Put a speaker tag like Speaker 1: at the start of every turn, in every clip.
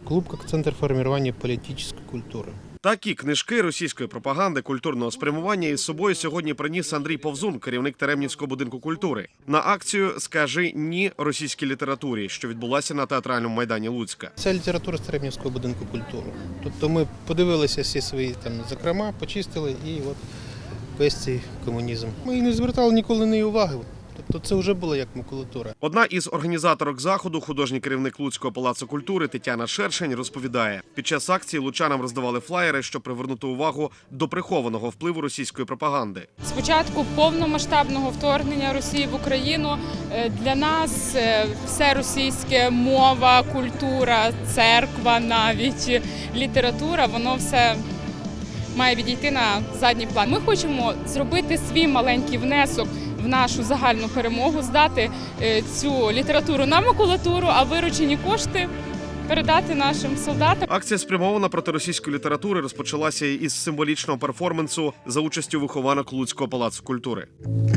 Speaker 1: Клуб как центр формирования политической культуры.
Speaker 2: Такі книжки російської пропаганди культурного спрямування із собою сьогодні приніс Андрій Повзун, керівник Теремнівського будинку культури, на акцію «Скажи ні російській літературі», що відбулася на театральному майдані Луцька.
Speaker 1: Це література з Теремнівського будинку культури. Тобто ми подивилися всі свої закрома, почистили і от весь цей комунізм. Ми і не звертали ніколи на її уваги. Тобто це вже було як макулатура.
Speaker 2: Одна із організаторок заходу, художній керівник Луцького палацу культури Тетяна Шершень, розповідає, під час акції лучанам роздавали флаєри, щоб привернути увагу до прихованого впливу російської пропаганди.
Speaker 3: З початку повномасштабного вторгнення Росії в Україну для нас все російське, мова, культура, церква, навіть література, воно все має відійти на задній план. Ми хочемо зробити свій маленький внесок в нашу загальну перемогу, здати цю літературу на макулатуру, а виручені кошти передати нашим солдатам.
Speaker 2: Акція, спрямована проти російської літератури, розпочалася із символічного перформансу за участю вихованок Луцького палацу культури.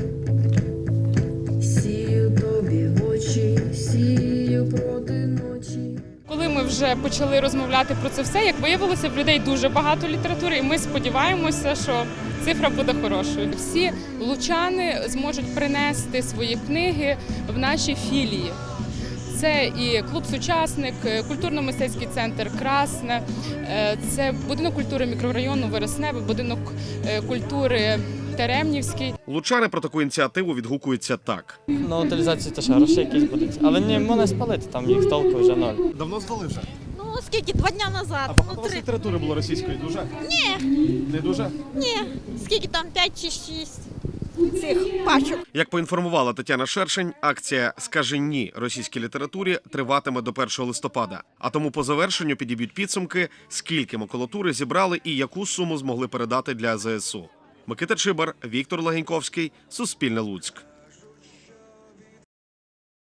Speaker 4: Сію тобі в очі, сію проти ночі.
Speaker 3: Коли ми вже почали розмовляти про це все, як виявилося, в людей дуже багато літератури, і ми сподіваємося, що цифра буде хорошою. Всі лучани зможуть принести свої книги в наші філії. Це і клуб «Сучасник», культурно-мистецький центр «Красне», це будинок культури мікрорайону Вересневе, будинок культури Теремнівський.
Speaker 2: Лучани про таку ініціативу відгукуються так.
Speaker 5: На утилізацію теж гроші якісь будуть. Але не можна спалити, там їх толку вже ноль.
Speaker 6: Давно здали вже?
Speaker 7: Ну, скільки? 2 дня назад.
Speaker 6: А багато у вас літератури було російської? Дуже?
Speaker 7: Ні.
Speaker 6: Не дуже?
Speaker 7: Ні. Скільки там? 5 чи 6 цих пачок.
Speaker 2: Як поінформувала Тетяна Шершень, акція «Скажи ні російській літературі» триватиме до 1 листопада. А тому по завершенню підіб'ють підсумки, скільки макулатури зібрали і яку суму змогли передати для ЗСУ. Микита Чибар, Віктор Легеньковський, Суспільне Луцьк.